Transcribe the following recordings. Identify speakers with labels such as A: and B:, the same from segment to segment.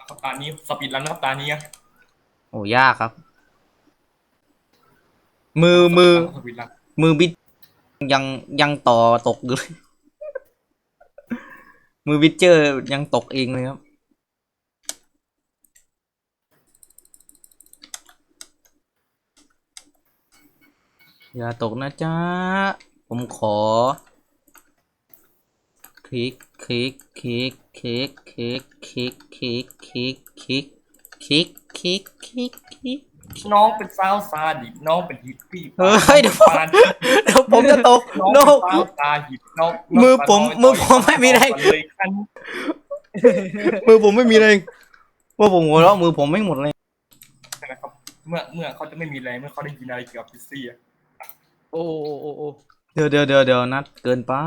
A: ตานี้สปีดรันนะครับตานี้
B: โอ้ยากครับมือ
A: สปีดรัน
B: มือบิดยังยังต่อตกอยู่เลยมือบิดเจอร์ยังตกเองเลยครับอย่าตกนะจ๊ะผมขอคลิกคลิกคลิกคลิกคลิกคลิกคลิกคลิกคลิกคลิกคลิกคลิกคลิก
A: น้องเป็นสาวซาดิสน้องเป็นฮิปปี้
B: เฮ้ยเดี๋ยวผมเดี๋ยวผมจะตก
A: น้อง
B: โน
A: เป็นสาวซาดิสน้อง
B: มือผมไม่มีแรง
A: เลยคัน
B: มือผมไม่มีแรงว่าผมหัวเราะมือผมไม่หมดเลย
A: นะครับเมื่อเขาจะไม่มีแรงเมื่อเขาได้ยินอะไรเกี่ยวกับพิซซี่
C: โอ้โอ้โอ้
B: เดี๋ยวนัดเกินไป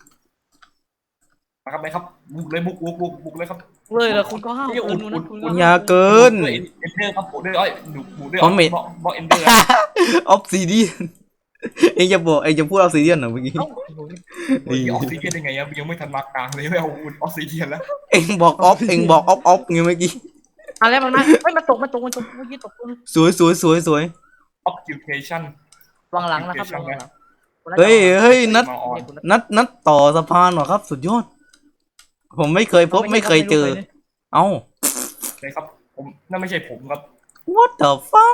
A: นะครับไหมครับบุกเลยบุกเลยครับ
C: เลยเหรอคุณก็ห้าว
A: เกิ
C: เกิน
A: น
C: นะคุณก็
B: อย่าเกิน
A: ด้วยเอนเดอร์ครับบุกด้วยบุกด้วยบล็อกเอนเดอร์
B: ออฟซิเดียนเองจะบอกเองจะพูดออฟซิเดียนเหรอเมื่อกี้
C: เอ้า
A: ออกซิเดียนยังไงยังไม่ทันมากลางเลยไม่เอาออกซิเดียนแล้ว
B: เองบอกออฟเองบอกออฟไงเมื่อกี้
C: อะไรมันมาเฮ้ยมันตกเมื่อกี้ตก
B: สวย
A: occupation
C: วางหลังนะครับวางหลัง
B: เฮ้ยนัดต่อสะพานเหรอครับ สุดยอดผมไม่เคยพบไม่เคยเจอเอ้า
A: เลยครับผมนั่นไม่ใช่ผมครับ
B: what the fuck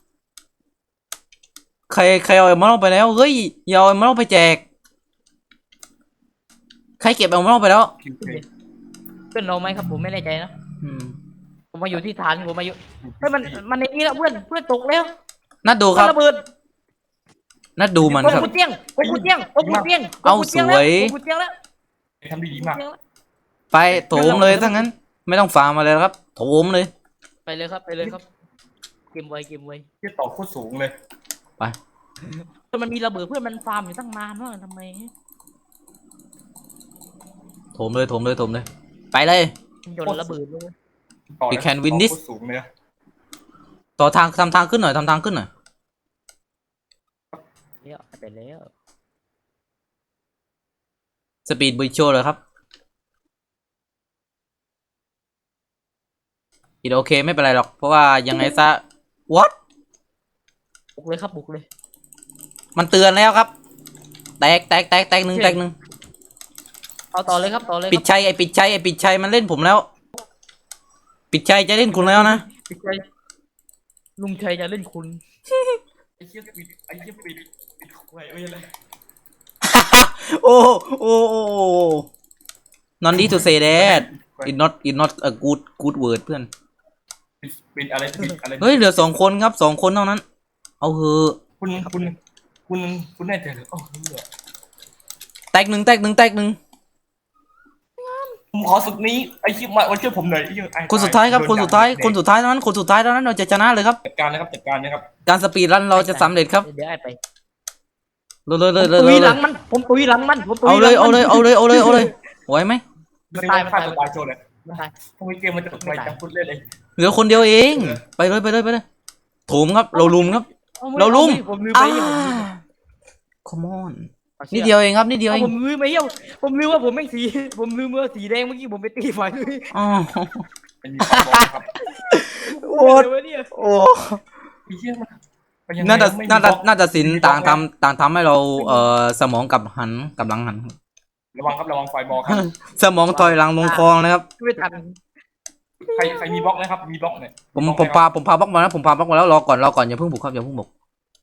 B: ใครเอาไอ้มาเล่าไปแล้วเฮ้ยอย่าเอาไอ้มาเล่าไปแจกใครเก็บเอามาเล่าไปแล้ว
C: เพื่อนเราไหมครับผมไม่แน่ใจนะ
B: อืม
C: ผมมาอยู่ที่ฐานผมมาอยู่เฮ้ยมันในนี้แล้วเพื่อนตกแล้ว
B: นัดดูครับ
C: ระเบิด
B: นัดดูมันครับ
C: กูเตี้ยงกูเตี้ยงกูเตี้ยง
B: เอาสวย
C: กูเตี้ยงแล้ว
A: ทำดีมาก
B: ไปโถมเลยถ้างั้น ไม่ต้องฟาร์มมาเลยครับโถมเลย
C: ไปเลยครับเกมไว
A: ที่ต่อโคตรสูงเลย
C: แต่มันมีระเบิดเพื่อนมันฟาร์มอยู่ตั้งนานว่าทำไม
B: โถมเลยไปเลย
C: โยนระเบิดเลย
B: We can win this
A: โคตรสูงเลย
B: ต่อทางทำทางขึ้นหน่อย
C: แล้วไปแล้ว
B: สปีดบุยโชเลยครับอีโอเคไม่เป็นไรหรอกเพราะว่ายังไงซะ what
C: บุกเลยครับบุกเลย
B: มันเตือนแล้วครับแตกหนึ่ง
C: เอาต่อเลยครับ
B: ปิดชัยไอ้ปิดชัยมันเล่นผมแล้ว ปิดชัยจะเล่นคุณแล้วนะ
C: ปิดใจลุงชัยจะเล่นคุณ
A: ไอ้เชี่ยปิดไว้ไม่เลย
B: โอ้นอนดี to say that it not a good word เพื่อน
A: เป็นอะไร
B: เฮ้ยเหลือ2 คนครับ2 คนเท่านั้นเอาเหอะ
A: คุณแน่ใจเหรอโอ้
B: แตกหนึ่ง
A: ผมขอสุดนี้ไอ้ชิบมาวันช่วยผมหน่อย
B: คนสุดท้ายครับคนสุดท้ายเท่านั้นเราจะชนะเลยครับ
A: จัดการนะครับ
B: การสปีดรันเราจะสำเร็จครับ
C: เดี๋ยวไอ้ไป
B: เลย
C: ตุยหลังมันผมตุยหลังมัน
B: เอาเลยไหวไหม
A: ตายโชว์เลยทำไมเกมมันจะไปจังพูดเล่นเลย
B: เหลือคนเดียวเองไปเลยโถมครับเราลุมครับ
C: ผมลืมไป
B: come on นิดเดียวเองครับนิดเดียวเอง
C: ผมลืมไปผมลืมว่าผมไม่สีผมลืมว่าสีแดงเมื่อกี้ผมไปตีไฟเลย
B: อ๋อ
A: เป็นมีความบอกครับ
B: โอ้น่าจะสินต่างทำให้เราสมองกับหลังหัน
A: ระวังไฟบอลครับ
B: สมองถอยหลังลงคลองนะครับ
C: ไม่ทัน
A: ใครมีบล็อกนะครับมีบล็อกเนี่ย
B: ผมพาบล็อกมาแล้วรอก่อนอย่าเพิ่งบุกครับอย่าเพิ่งบุก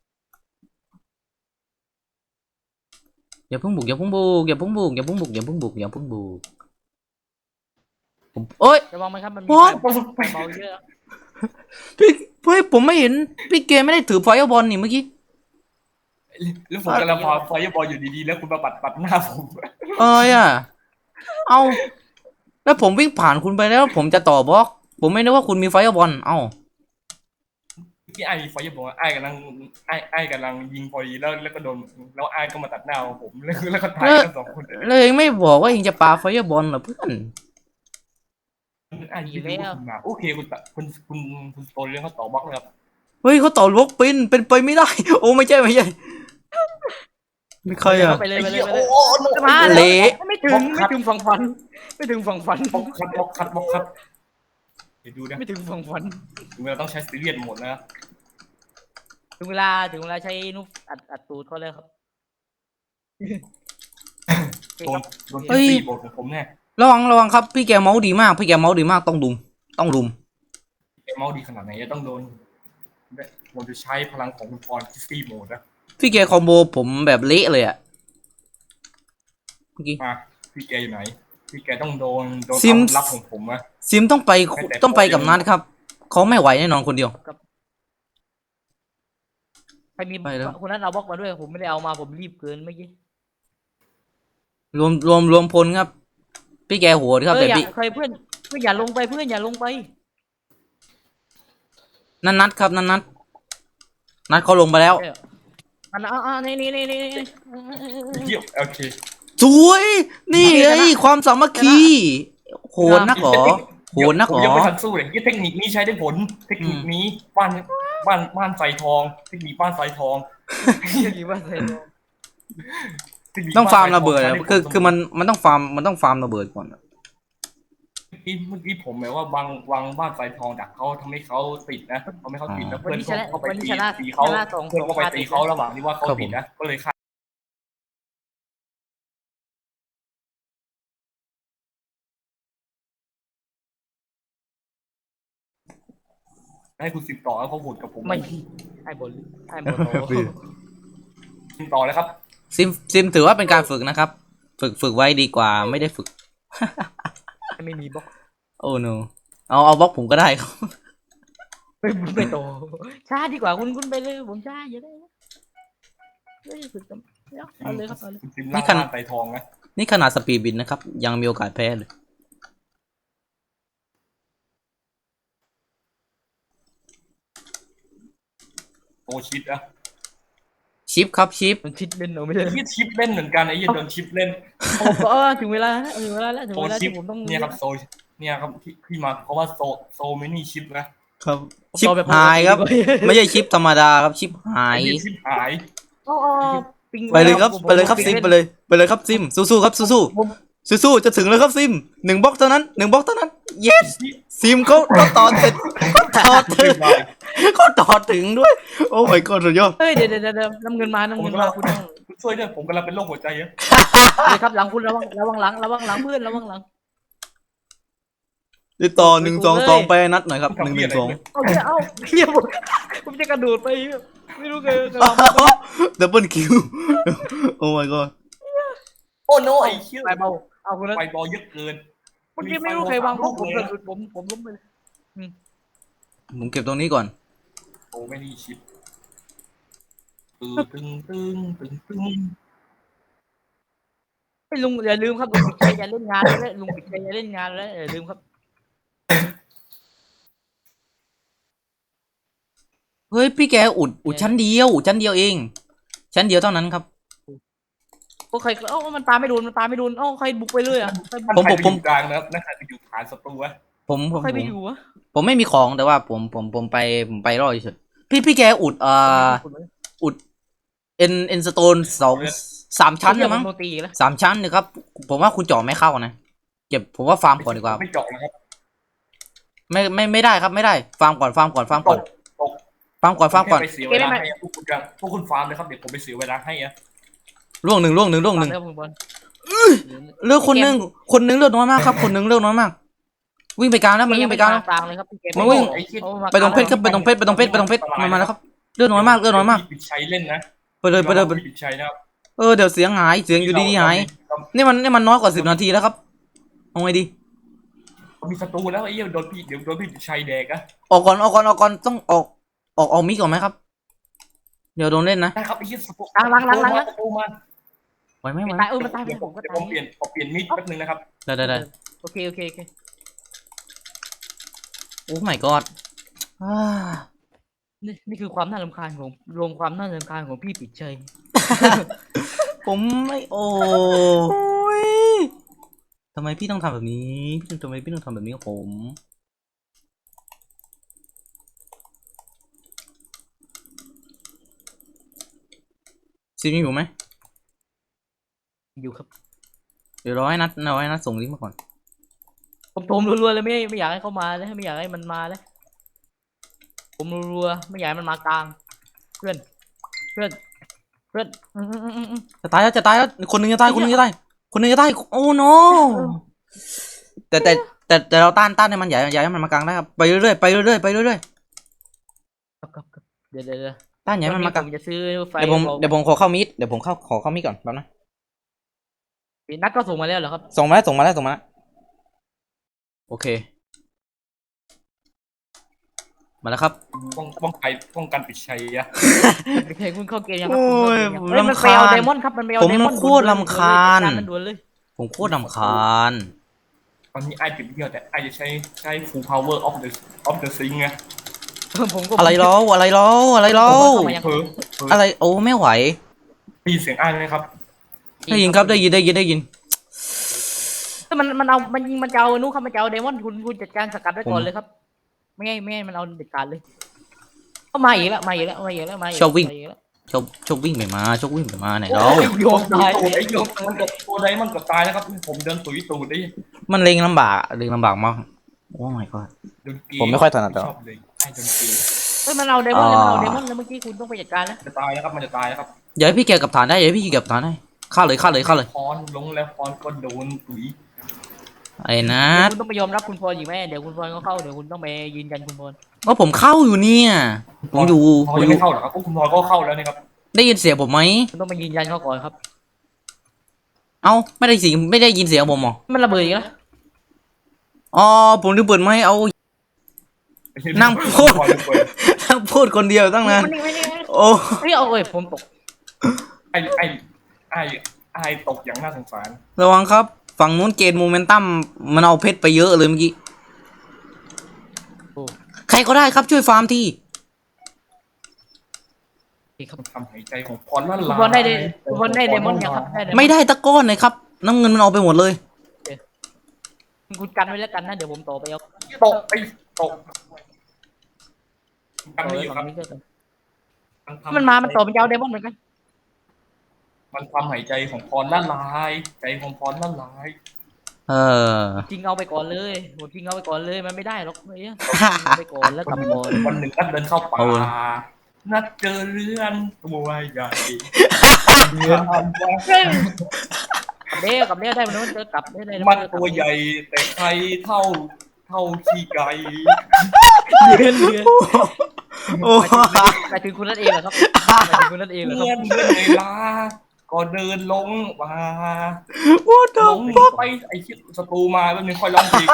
B: ผมโอ๊ย
C: ระวังไหมครับมันมีไฟเบาเยอะ
B: พี่ผมไม่เห็นพี่เกมไม่ได้ถือไฟบอลนี่เมื่อกี้
A: แล้วผมกำลังพอไฟบอลอยู่ดีๆแล้วคุณมาปัดหน้าผม
B: เอาแล้วผมวิ่งผ่านคุณไปแล้วผมจะต่อบล็อกผมไม่นึกว่าคุณมีไฟบอล
A: ที่ไอ้ไฟบอลไอ้กำลังยิงพอดีแล้วก็โดนแล้วไอ้ก็มาตัดหน้าผมแล้วก็ตายกัน2 คน
B: เลยเองไม่บอกว่าเองจะปาไฟบอลเหรอเพื่อน
A: ไอ้ยิงมาโอเคคุณโตเรื่องเขาต่อบล็อกเลยครับ
B: เฮ้ยเขาต่อบล็อกเป็นไปไม่ได้โอ้ไม่ใช่ไม่ใครอ่ะ
C: ไปเลย
A: โอ้
C: มา
B: เละ
C: ไม่ถึงฝั่งฝันไม่ถึงฝั่งฝัน
A: บล็อกคัดเดี๋ยวดูนะ
C: ไม่ถึงฝั่งฝัน
A: ถึงเวลาต้องใช้ซีเรียสหมดนะ
C: ถึงเวลาใช้นุ๊กอัดตูดเขาเลยครับ
A: โดนคิสซี่บทของผมเนี่ย
B: ระวังครับพี่แกเมาส์ดีมากพี่แกเมาส์ดีมากต้องรุม
A: ไอ้เมาส์ดีขนาดไหนจะต้องโดนผมจะใช้พลังของคุณพรคิสซี่โหมดนะ
B: พี่แกคอมโบผมแบบเละเลยอะเมื่อกี้
A: มาพี่แกอยู่ไหนพี่แกต้องโดน
B: ซิม
A: รับของผมอะ
B: ซิมต้องไปกับนัดครับเขาไม่ไหวแน่นอนคนเดียว
C: ใครมี
B: ไปแล้ว
C: คนนั้นเอาบล็อกมาด้วยผมไม่ได้เอามาผมรีบเกินเมื่อกี้
B: รวมพลครับ พี่แกโหดครับแต่พี่
C: ใครเพื่อนอย่าลงไปเพื่อนอย่าลงไป
B: นัดครับนัดเขาลงไปแล้ว
C: อันนี่
A: เยี่ยมโอเค
B: สวยนี่ไงความสามัคคีโหดนักเหรอโหดนัก
A: ผ
B: เห
A: ม
B: ร
A: ยัง
B: อ
A: ไม่ทันสู้เลยเทคนิคนี้ใช้ได้ผลเทคนิคนี้บ้านใส่ทองเทคนิคบ้านใส่ทอง
C: กี่ว่าใส่
B: ต้องฟาร์มระเบิดอะคือมันต้องฟาร์มระเบิดก่อน
A: เมื่อกี้ผมหมายว่าวางบ้านใส่ทองดักเขาทำให้เขาติดนะทำให้เขาติดแล้วเพื่อนเข้าไปตีเขาเพื่อนเข้าไปตีเขาระหว่างที่ว่าเขาติดนะก็เลยฆ่าให้คุณสิบต่อแล้วเขาโหดกับผม
C: ไม่ไอ้บอล
A: ต่อเลยครับ
B: ซิมถือว่าเป็นการฝึกนะครับ ฝึกไว้ดีกว่าไม่ได้ฝึก
C: ไม่มีบล็อก
B: โอ้ no เอาบล็อกผมก็ได้ครับ
C: ไม่โตช้าดีกว่าคุณไปเลยผมช้าอย่าได้ไม่ฝึกกันเอาเลยครับเอาเลย
A: คุณซิมล่างบ้านใส่ทองนะ
B: นี่ขนาดสปีดบินนะครับ ยังมีโอกาสแพ้เลย
A: โอชิดอะ
B: ชิปครับชิป
C: มันชิดเล่นเราไม่ได้
A: ยี่ชิปเล่นเหมือนกันไอ้ยี่โดนชิปเล่น
C: ถึงเวลาแล้วถึงเวลาแล้วที่ผมต้อง
A: เนี่ยครับโซเนี่ยครับที่มาเพราะว่าโซไม่นี่ชิปนะครับ
B: ชิปหายครับ ไม่ใช่ชิปธรรมดาครับชิปหาย
A: ไอ้ชิปหาย
B: ไปเลยครับซิมไปเลยครับซิมสู้ๆครับสู้จะถึงแล้วครับซิม1 บล็อกเท่านั้นyes ซิมเขาต่อเสร็จเขาต่อถึงด้วย โอ้ my god สุดยอด
C: เฮ้ยเดี๋ยวน้ำเงินมาคุณต้อง
A: คุณช่วยด้วยผมกำลังเป็นโรคหัวใจอะ
C: เลยครับหลังคุณระวังหลังเพื่อนระวังหลัง
B: ติดต่อ1 2 2ไปนัดหน่อยครับ1 1 2
C: เอาเฮียผมจะกระโดดไปไม่รู้เลย
B: ดับเบิลคิวโอ้ my god
A: โอ้โนไอ้เชี่ย
C: ไปเบาเอาคุณนั้น
A: ไฟบอลเยอะเกิน
C: เมื่อกี้ไม่รู้ใครวางพวกผมล้มไปเลย
B: ผมเก็บตรงนี้ก่อน
A: โอ้ไม่นี่ชิปตึง
C: ลุงอย่าลืมครับลุงปิดใจอย่าเล่นงานแล้วลุงปิดใจอย่าเล่นงานแล้วอย่าลืมครับ
B: เฮ้ยพี่แกอุดชั้นเดียวเองชั้นเดียวเท่านั้นครับ
C: โอ้ใครมันตามไม่โดนใครบุกไปเลยอ่ะ
A: ผมกลางนะครับนั่นใครไปอยู่ฐานศัตรูวะ
C: ใครไปอยู่วะ
B: ผมไม่มีของแต่ว่าผมไปรอดเฉยพี่แกอุดเอ็นสโตน3 ชั้นเลยมั้ง3 ชั้นนะครับผมว่าคุณเจาะไม่เข้านะเก็บผมว่าฟาร์มก่อนดีกว่า
A: ไม่เจาะนะครับ
B: ไม่ได้ครับไม่ได้ฟาร์มก่อนฟาร์มก่อน
A: ไปเสียเวลาให้พวกคุณฟาร์มเลยครับเดี๋ยวผมไปเสียเวลาให้อะ
B: ล่วงหนึ่งเลือกคนหนึ่งเลือกน้อยมากครับคนหนึ่งเลือกน้อยมากวิ่งไปกลางแล้วมันวิ่งไปกลางแล้วมันวิ่งไปตรงเพชรครับไปตรงเพชรมาแล้วครับเลือกน้อยมาก
A: ปิดชัยเล่นนะ
B: ไปเลย
A: ปิดชัยนะครับ
B: เดี๋ยวเสียงอยู่ดีๆหายนี่มันน้อยกว่า10 นาทีแล้วครับเอาไงดี
A: มีศัตรูแล้วไอ้เหี้ยโดนพี่ปิดชัยแดกอะ
B: ออกก่อนต้องออกมิกก่อนไหมครับเดี๋ยวโดนเล่นนะ
A: ได้ครับไอ้เหี้ยศัตรู
C: ล้าง
A: ศัตรูมา
B: ไหวไหม
C: ตายมันตายผมก็
A: เดี๋ยว
C: ตา
A: ผมเปลี่ยนมิดแป๊บนึงนะครับ
B: ได้
C: โอเค
B: โอ้ my god
C: นี่คือความน่ารำคาญของพี่ปิดใจ
B: ผมไม่โอ้ยทำไมพี่ต้องทำแบบนี้ทำไมพี่ต้องทำแบบนี้กับผมซีมีอยู่ไหม
C: อยู่ครับ
B: เดี๋ยวรอให้นัดส่งลิงก์มาก่อน
C: ผมโถมรัวๆเลยไม่อยากให้เขามาเลยไม่อยากให้มันมาเลยผมรัวๆไม่อยากให้มันมากลางเพื่อนเพื่อนเพื่อน
B: จะตายแล้วจะตายแล้วคนหนึงจะตายคนหนึงจะตายคนหนึงจะตายโอ้โนแต่เราต้านให้มันอย่าให้มันมากลางได้ครับไปเรื่อยๆไปเรื่อยๆไปเรื่อย
C: ครับเดี๋ยว
B: ๆต้านอย่าให้มันมากลาง
C: ผมจะซื้อไฟ
B: เดี๋ยวผมขอเข้ามิดเดี๋ยวผมขอเข้ามิดก่อนแป๊บนะ
C: นัดก็ส่งมาแล้วเหรอครับ
B: ส่งมาแล้วโอเคมาแล้วครับ
A: ป้องกันปิดชัยอะ
C: ไม่ใช่คุณเข้าเกมยังครับ
B: โอ้ย
C: เฮ้ยมันไปเอาเดมอนครับมันไปเอา
B: ผม
C: เดมอน
B: โคตรรำคาญ
C: มันด่วนเลย
B: ผมโคตรรำคาญ
A: ตอนนี้ไอ้ติดเดียวแต่ไอ้จะใช้ full power of the sing ไง
C: ผมก็
B: อะไรล้ออะไร
A: เพ้อ
B: อะไรโอ้ไม่ไหว
A: ได้ยินเสียงไอ้ไหมครับ
B: ได้ยินครับได้ยิน
C: ถ้ามันเอามันยิงมันจะเอานู้ครับมันจะเอาเดมอนคุณจัดการสกัดไว้ก่อนเลยครับไม่ให้มันเอาเด็ดขาดเลยเข้ามาอีกแล้วมาอีกแล้ว
B: ชอบวิ่งไปมาไหนเรา
C: โยมตาย
A: ไอ้โยมมันกับตัวใดมันกับตายแล้วครับผมเดินตุยตูดได้
B: มันเล็งลำบากมากโอ้ my god ผมไม่ค่อยถนัดหรอก
A: ชอบเลยไอ้ดนตรี
C: เฮ้ยมันเอาเดมอนแล้วเมื่อกี้คุณต้องไปจัดการแล้ว
A: จะตายแล้วครับมันจะตายแล้วครับ
B: อย่าให้พี่แกกับฐานได้ฆ่าเลย
A: พรลงแล้วพรก็โดนตุ๋ย
B: ไอ้นัท
C: คุณต้องไปยอมรับคุณพรอยู่ไหมเดี๋ยวคุณพรก็เข้าเดี๋ยวคุณต้องไปยืนยันคุณพร
B: ก็ผมเข้าอยู่เนี่ยผมอยู่
A: พรยังไม่เข้าหรอครับคุณพรก็เข้าแล้วนี่ครับ
B: ได้ยินเสียงผมไหม
C: คุณต้องไปยืนยันเขาก่อนครับ
B: เอ้าไม่ได้ยินเสียงผมหรอ
C: มันระเบิดอีกแล้ว
B: อ๋อผมลืมเปิดไม่เอา นั่งพูดคนเดียวตั้งนานโอ้
C: เฮ้ยเอาเอ้ยผมตก
A: ไอ้ตกอย่างน่าสงสาร
B: ระวังครับฝั่งนู้นเกณฑ์โมเมนตัมมันเอาเพชรไปเยอะเลยเมื่อกี้ใครก็ได้ครับช่วยฟาร์มที
A: ทำหายใจของพรนั่น
C: คุณ
A: ล่ะ
C: พรได้เดมอนยังครับได้
B: ไม่ได้ตะก้อนเลยครับน้ำเงินมันเอาไปหมดเลย
C: คุณกันไว้แล้วกันนะเดี๋ยวผมต่อไปเอา
A: ตกกันนี่อยู่ครับ
C: มันมามันต่อมันจะเอาเดมอนเหมือนกัน
A: มันความหายใจของพรละลายใจของพรละลาย
C: ทิ้งเอาไปก่อนเลยผมทิ้งเอาไปก่อนเลยมันไม่ได้หรอกเนี่ยไปก่อนแล้วกลับก่อน
A: วันหนึ่งนัดเดินเข้าป่านัดเจอเรือนตัวใหญ่เรือนอันกว้าง
C: กับเลี้ยวได้มันเจอกลับได้
A: มันตัวใหญ่แต่ใครเท่าขี้ไก่
C: เรือน
B: โอ้
C: ไปถึงคุณนั่นเองเหรอครับไปถึงคุณนั่นเองเหรอค
A: เลื่อ
C: รับ
A: นเวลาก็เดินลงมา
B: What
A: ล
B: the
A: ง
B: fuck
A: ไปไอ้ชิดศัตรูมาแล้วนึงค่อยร้องเพลง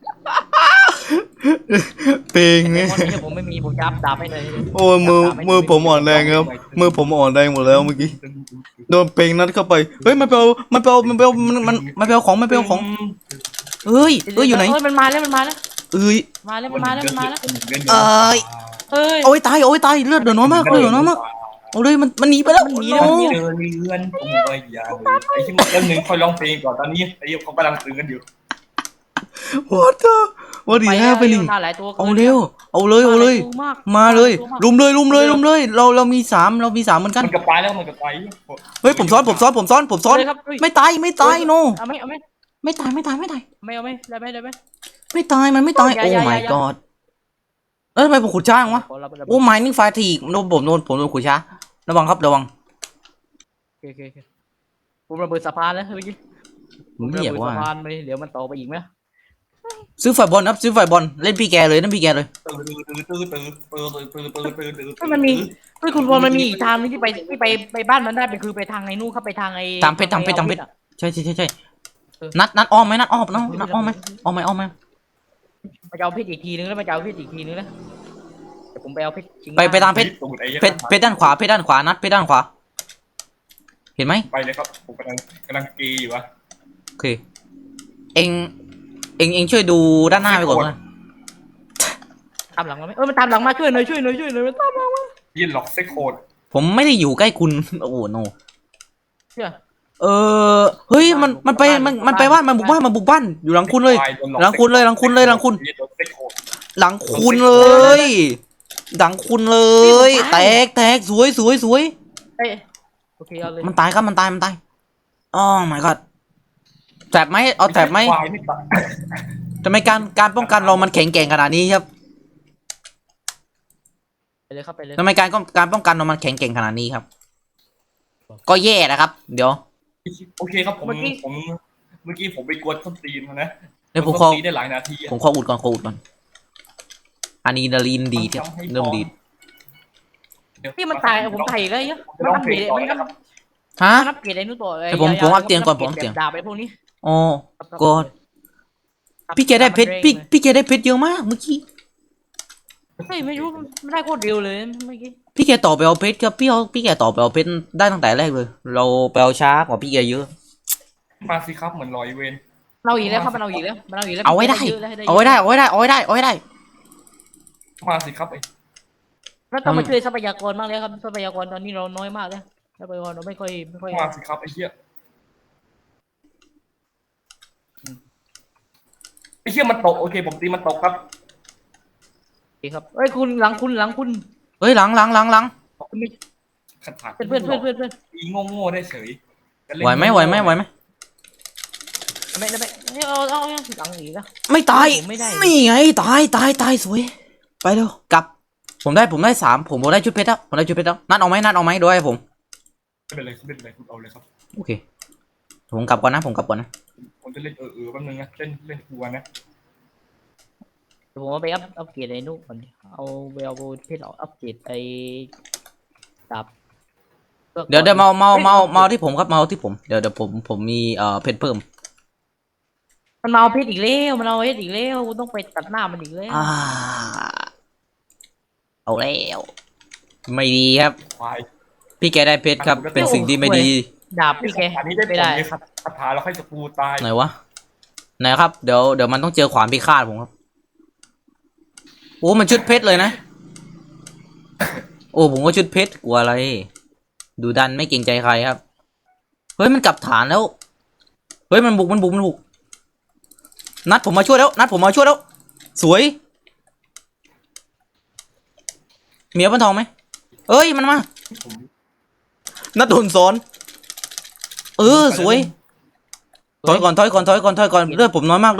B: เพลง
C: เด
B: เนี่ย
C: มอนนี่ผมไม่มีผมจับดาบให้เลย
B: โอ้ยมือผมอ่อนแรงครับมือผมอ่อนแรงหมดแล้วเมื่อกี้โดนเพลงนั้นเข้าไปเฮ้ยมันไปเอาของเฮ้ยอยู่ไหน
C: มันมาแล้ว
B: เอ้ย
C: มาแล้วเฮ้ย
B: โอ้ยตายเลือดเดือดน้อยมากเอาเลยมันหนีไปแล้ว
C: มันหนี
B: โอ้
A: เจอเรือนตัวใหญ่ไอ้ที่มันเรื่องหนึ่งค่อยร้องเพลงก่อนตอนนี้ไอ้เขากำลังตื่นกันอยู่
B: what is happening
C: หลายตัว
B: เอาเร็วเอาเลยมาเลยลุมเลยเรามีสามเหมือนกัน
A: มันกระปายแล้วมันกระปาย
B: เฮ้ยผมซ้อนไม่ตายโน
C: เอาไหม
B: ไม่ตาย
C: ไม่เอาไหมได้ไหม
B: ไม่ตายมันไม่ตายโอ้ my god แล้วทำไมผมขุดช้าจังวะโอ้ mining fatigue โดนผมขุดช้าระวัง
C: โอเคผมระเบิดสะพานแล้วเมื่อกี้
B: ผมไม่อยากว่า
C: สะพานไปเดี๋ยวมันต่อไปอีกไหม
B: ซื้อไฟบอลครับซื้อไฟบอลเล่นพี่แกเลยนั่นพี่แกเลย
C: มันมีคุณพลมันมีอีกทางนึงที่ไปบ้านมันได้เป็นคือไปทางไอ้นู่นเข้าไปทางไอ้
B: ตามเพชรใช่นัดอ้อมไหมนัดอ้อมไหม
C: มาจะเอาเพชรอีกทีนึงแล้วมาจะเอาเพชรอีกทีนึงแล้วเดี๋ยวผมไปเอาเพชร
B: ไปตามเพชรด้านขวานัดเพชรด้านขวาเห็นไหม
A: ไปเลยครับผมกำลังกีอยู่วะ
B: โอเคเองช่วยดูด้านหน้าไปก่อนนะ
C: ตามหลังมาไหมมันตามหลังมาช่วยหน่อยมันตามหลังมา
A: ยินหลอกเซ็กโคด
B: ผมไม่ได้อยู่ใกล้คุณโอ้โหโน
C: เชื่อ
B: เฮ้ยมันไปบ้านมันบุกบ้านอยู่หลังคุณเลยหลังคุณเลยหลังคุณเลยแตกสวย
C: โอเคเอาเลย
B: มันตายครับมันตายอ๋อ my god แถบไหมเอาแถบไหมทำไมการป้องกันเรามันแข็งแกร่งขนาดนี้ครับ
C: ไปเลยครับไปเลย
B: ทำไมการป้องกันเรามันแข็งแกร่งขนาดนี้ครับ ก็แย่นะครับ เดี๋ยว
A: โอเคครับผมเมื่อกี้ผมไปกวนต้นตีนมานะ
B: เดี๋ยวผม
A: ต้
B: ขอน
A: ตีนได้หลายนาทีอะ
B: ผมขออุดก่อนอะดรีนาลีนดีครับเริ่มดี
C: พี่มันตายผมตายอีกแล้วเยอะ
A: จะต้องเพลงต่อนะครับ
B: ฮะ
C: มันนับเกรดไอ้นู่นต่อเลย
B: แต่ผมอัพเตียงก่อนผมอัพเตียง
C: ดาบไปพวกนี้
B: อ๋อ ก็พี่แกได้เพชรพี่แกได้เพชรเยอะมากเมื่อกี้
C: เฮ้ยไม่รู้ไม่ได้โคตรเร็วเลยเมื่อกี้
B: พี่แกต่อไปเอาเพชรครับพี่แกต่อไปเอาเพชรได้ตั้งแต่แรกเลย เราไปเอาช้ากว่าพี่แกเยอะ
A: มาสิครับเหมือนลอยเวน
C: เราอีกแล้วครับมันเอาอีกแล้วมันเอาอีกแล้ว
B: เอาไว้ได้
C: เยอะแล้วให้
B: เอาไว้ได้เอาไว้ได้เอาไว้ได้เอาไว้ได้
A: มาสิครับไอ้
C: แล้วต้องมาช่วยทรัพยากรบ้างเลยครับทรัพยากรตอนนี้เราน้อยมากเลยทรัพยากรเราไม่ค่อย
A: มาสิครับไอ้เหี้ยไอ้เหี้ยมันตกโอเคผมตีมันตกครับ
C: ดีครับเอ้ยคุณหลังคุณ
B: เฮ้ยหลัง
C: คุณไม่
A: ขัดถาก
C: เพื่อน
A: ตีโง่ได้เฉย
B: ไหวไหม
C: ไม่เอาหลังอีกแล้ว
B: ไม่ตาย
C: ไม่ได้
B: นี่ไงตายสวยไปเร็วกลับผมได้3ผมได้ชุดเพชรแล้วนัดเอาไหมด้วยผม
A: ไม่เป็นไรคุณเอาเลยครับ
B: โอเคผมกลับก่อนนะผม
A: จะเล่นแป๊บนึงนะเล่นกลัวนะ
C: ผมว่าไปอัพเกรดไอ้นู่นก่อนเอาไปเอาเพชรอัพเกรดไอ้ดาบ
B: เดี๋ยวมาที่ผมครับมาที่ผมเดี๋ยวผมมีเพชรเพิ่ม
C: มันมาเอาเพชรอีกแล้วมันเอาเพชรอีกแล้วต้องไปตัดหน้ามันอีกแล้ว
B: เอาแล้วไม่ดีครับ
A: ควาย
B: พี่แกได้เพชรครับเป็นสิ่งที่ไม่ดี
C: ดาบพี่แก
A: อันนี้ได้ผ
C: ไม่
A: ล
C: ได้
A: เลยครับคาถาแล้วค่อยจะกูตาย
B: ไหนวะไหนครับเดี๋ยวมันต้องเจอขวานพิฆาตผมครับโอ้มันชุดเพชรเลยนะโอ้ผมก็ชุดเพชรกลัวอะไรดูดันไม่เกรงใจใครครับเฮ้ยมันกลับฐานแล้วเฮ้ยมันบุกนัดผมมาช่วยแล้วสวยเมียบันทองไหมเอ้ยมันมา
A: ผม
B: นัดโดนสอนสวยถอยก่อนเลือดผมน้อยมาก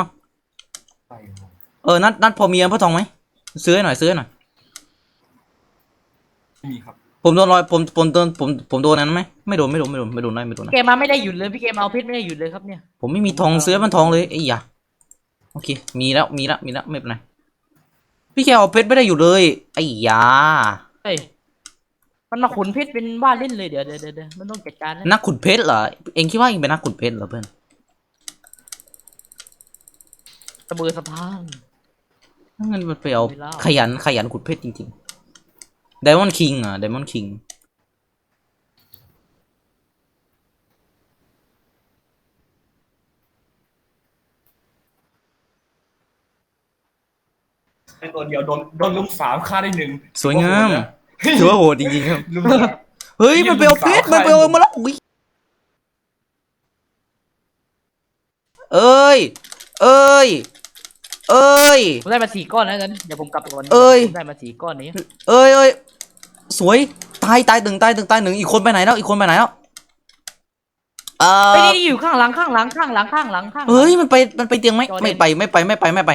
B: นัดพอมีพระทองไหมซื้อให้หน่อย
A: ไม่มีครับ
B: ผมโดนรอยผมโดนนั้นไหมไม่โดนได้
C: แกมาไม่ได้หยุดเลยพี่แกมาเอาเพชรไม่ได้หยุดเลยครับเนี่ย
B: ผมไม่มีทองซื้อมันทองเลยไอ้ยาโอเคมีแล้วไม่เป็นไรพี่แกเอาเพชรไม่ได้อยู่เลยไอ้ยา
C: เฮ้ยมันมาขุนเพชรเป็นบ้านเล่นเลยเดี๋ยวมันต้องจัดการนะ
B: นักขุดเพชรเหรอเองคิดว่าเองเป็นนักขุดเพชรเหรอเพื่อน
C: สะเบือสะพาน
B: งั้นมันไปเอาขยันขุดเพชรจริงๆไดมอนด์คิง
A: ในตัวเดียวโดนลุม3ฆ่าได้1
B: สวยงามถือว่าโหดจริงๆครับ
A: ลุม
B: เฮ้ยมันไปเอาเพชรมาแล้วอุ้ยเอ้ย
C: ผมได้มา4 ก้อนแล้วกันเดี๋ยวผมกลับก่อนผมได้มา4 ก้อนนี้
B: เอ้ยสวยตายหนึ่งอีกคนไปไหนแล้ว
C: ไปนี่อยู่ข้างหลัง
B: เฮ้ยมันไปเตียงไหมไม่ไป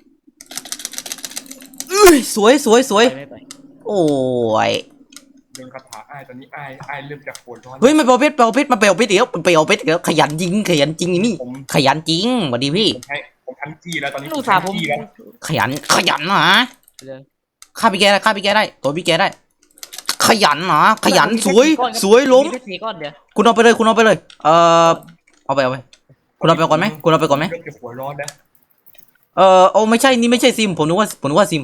B: สวย
C: ไม่ไป
B: โอ้ย
A: โดนคาถาตอนนี้ไอ้เริ่มจะโหดร้อน
B: เฮ้ยมันไปเอาเพชรเดี๋ยวขยันจริงนี่ขยันจริงสวัสดีพี่
A: ผมทันจี้แล้วตอนนี้
C: ลูกสาวผม
A: จี้แล้ว
B: ขยันนะฆ่าพี่แกได้ตัวพี่แกได้ขยันนะสวยล้ม
C: 4 ก้อนเดี๋ยว
B: คุณเอาไปเลยเอาไปคุณเอาไปก่อนไหม
A: เริ่มจะหัวร้อนแล้ว
B: โอ้ไม่ใช่นี่ไม่ใช่ซิมผมนึกว่าซิม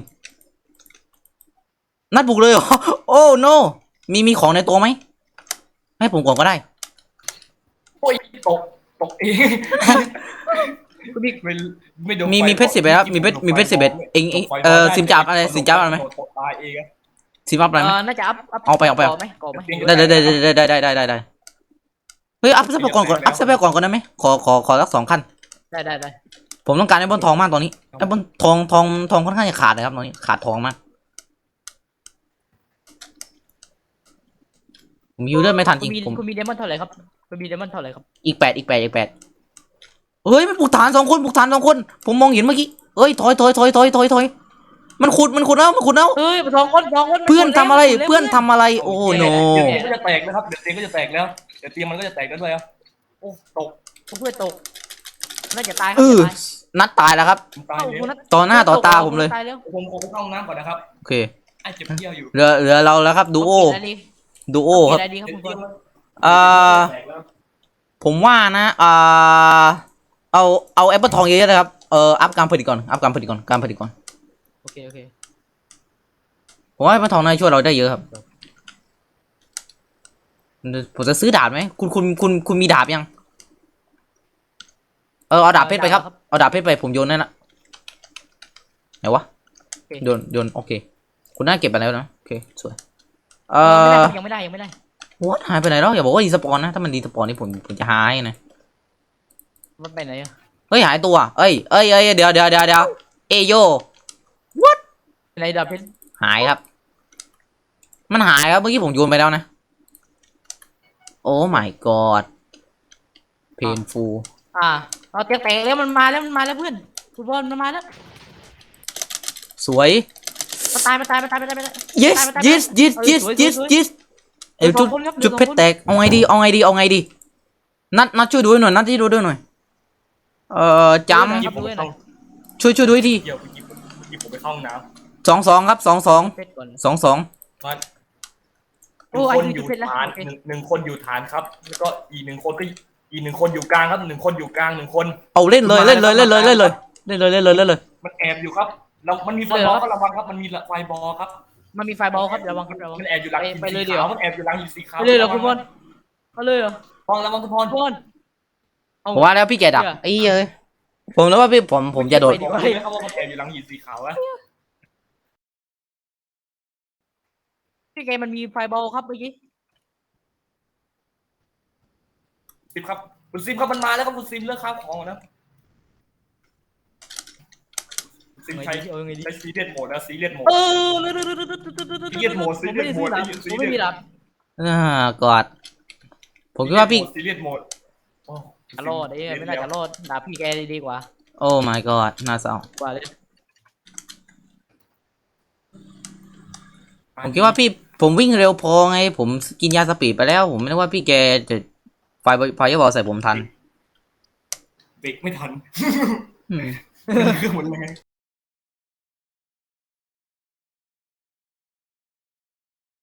B: นัดบุกเลยเหรอโอ้โนมีของในตัวไหมให้ผมก่อนก็ได้
A: โอ้ยตกเองไม่โดน
B: มีเพชร10ครับมีเพชร11เองซิมจับอะไรไหม
A: ตายเอง
B: ซิมอัพอะไรไหม
C: น่าจะอัพ
B: เอาไป
C: ก่อไหม
B: ได้เฮ้ยอัพซับไปก่อนได้ไหมขอสัก2 ขั้น
C: ได้
B: ผมต้องการไอ้บนทองมากตอนนี้ไอ้บนทองค่อนข้างจะขาดนะครับตอนนี้ขาดทองมากผมยูเลือดไม่ทันจริงผม
C: คุณมีเดมอนเท่าไหร่ครับคุณมีเดมอนเท่าไหร่ครับ
B: อีก8 เฮ้ยมันปลุกฐานสองคนปลุกฐานสองคนผมมองเห็นเมื่อกี้เอ้ยถอยมันขุดแล้วมันขุดแล้ว
C: เฮ้ยสองคน
B: เพื่อนทำอะไรเพื่อนทำอะไรโอ้โน
A: เดี๋ยวเตียงก็จะแตกนะครับเดี๋ยวเตียงก็จะแตกแล้วเดี๋ยวเตียงมันก็จะแตกแล้วด้วยอ่ะโอ้ตก
C: เพื่อนตกน่าจะตายค
B: เอ
C: รับ
B: อนัดตายแล้วครับ
A: ตายเลย
B: ต่อหน้าต่อตาผมเลย
C: ตายแล้ว
A: ผมไปเข้าห้องน้ำก่อนนะครับ
B: โอเค
A: ไอ้เจ็บเยี่ยวอยู่
B: เหลือเราแล้วครับดูโอครับ
C: ได้ดีครับคุณบอล
B: ผมว่านะเอาแอปเปิลทองเยอะๆนะครับอัพการผลิตก่อนการผลิตก่อน
C: โอเค
B: ผมว่าแอปเปิลทองน่าจะช่วยเราได้เยอะครับผมจะซื้อดาบไหมคุณมีดาบยังเอาดาบเพชรไปครับเอาดาบเพชรไปผมโยนนั่นละไหนวะโยนโอเคคุณน่าเก็บไปแล้วนะโอเคสวย
C: ยังไม่ได้
B: what หายไปไหนแล้วอย่าบอกว่าดีสปอนนะถ้ามันดีสปอนนี่ผมจะหายนะ
C: มันไปไหนอะ
B: เฮ้ยหายตัวเอ้ยเดี๋ยวเอโย what
C: ไหนดาบเพชร
B: หายครับมันหายครับเมื่อกี้ผมโยนไปแล้วนะโอ้ my god painful
C: เราเตียงแตกแล้วมันมาแล้วเพื่อนคุณบอลมันมาแล้ว
B: สวย
C: มันตาย
B: yes เอ้ยจุดเพชรแตกเอาไงดีนัดช่วยดูหน่อยจำช่วยดูที
A: เดี๋ยวเมื่อกี้ผมไปเข้าห้องน้ำ
B: 2-2ครับ2-2
C: เพชรก่อน
A: มา
C: โอ้
A: คน
C: ไอ้
A: อยู่
C: เพชรแล้ว
A: ฐานหนึ่งคนอยู่ฐานครับแล้วก็อีกหนึ่งคนอยู่กลางครับหนึ่งคนอยู่กลางหนึ่งคน
B: เอาเล่นเลยมัน
A: แอบอยู่ครับแล้วมันมีไฟบอลก็ระวังครับมันมีไฟบอลครับ
C: มันมีไฟบอลครับระวัง
A: มันแอบอยู่หลังหิน
C: ไปเลย
A: สี
C: เดี๋ยว
A: ขาวมันแอบอยู่หลังหินสีขาว
C: ไปเลยเหรอคุณบอลเอาเลยเหรอ
A: ระวังทุกคน
C: บอล
B: ผมว่าแล้วพี่แกดักไอ้เอ้ยผมแล้วว่าพี่ผมจะโดด
A: บอกเลยนะครับว่ามันแอบอยู่หลังหินสีขาวอะ
C: พี่แกมันมีไฟบอลครับเมื่อกี้
A: ซิมครับคุณซิมครับมันมาแล้วครับคุณซิมเลือกข้าวของนะซิมใช้ซีเรียสโหมดนะซีเรียสโหมด
C: ผมไม่มีดาบ
B: กอดผมคิดว่าพี่
A: ซีเรียสโหมด
C: จะรอดไม่น่าจะรอดดาบพี่แกดีกว่า
B: โอ้ my god น่าเศร้า
C: กว่าเลย
B: ผมคิดว่าผมวิ่งเร็วพอไงผมกินยาสปีดไปแล้วผมไม่ได้ว่าพี่แกจะไฟบอลใส่ผมทัน
A: เบรกไม่ทัน
B: อืม
A: เครื่องหมดเลย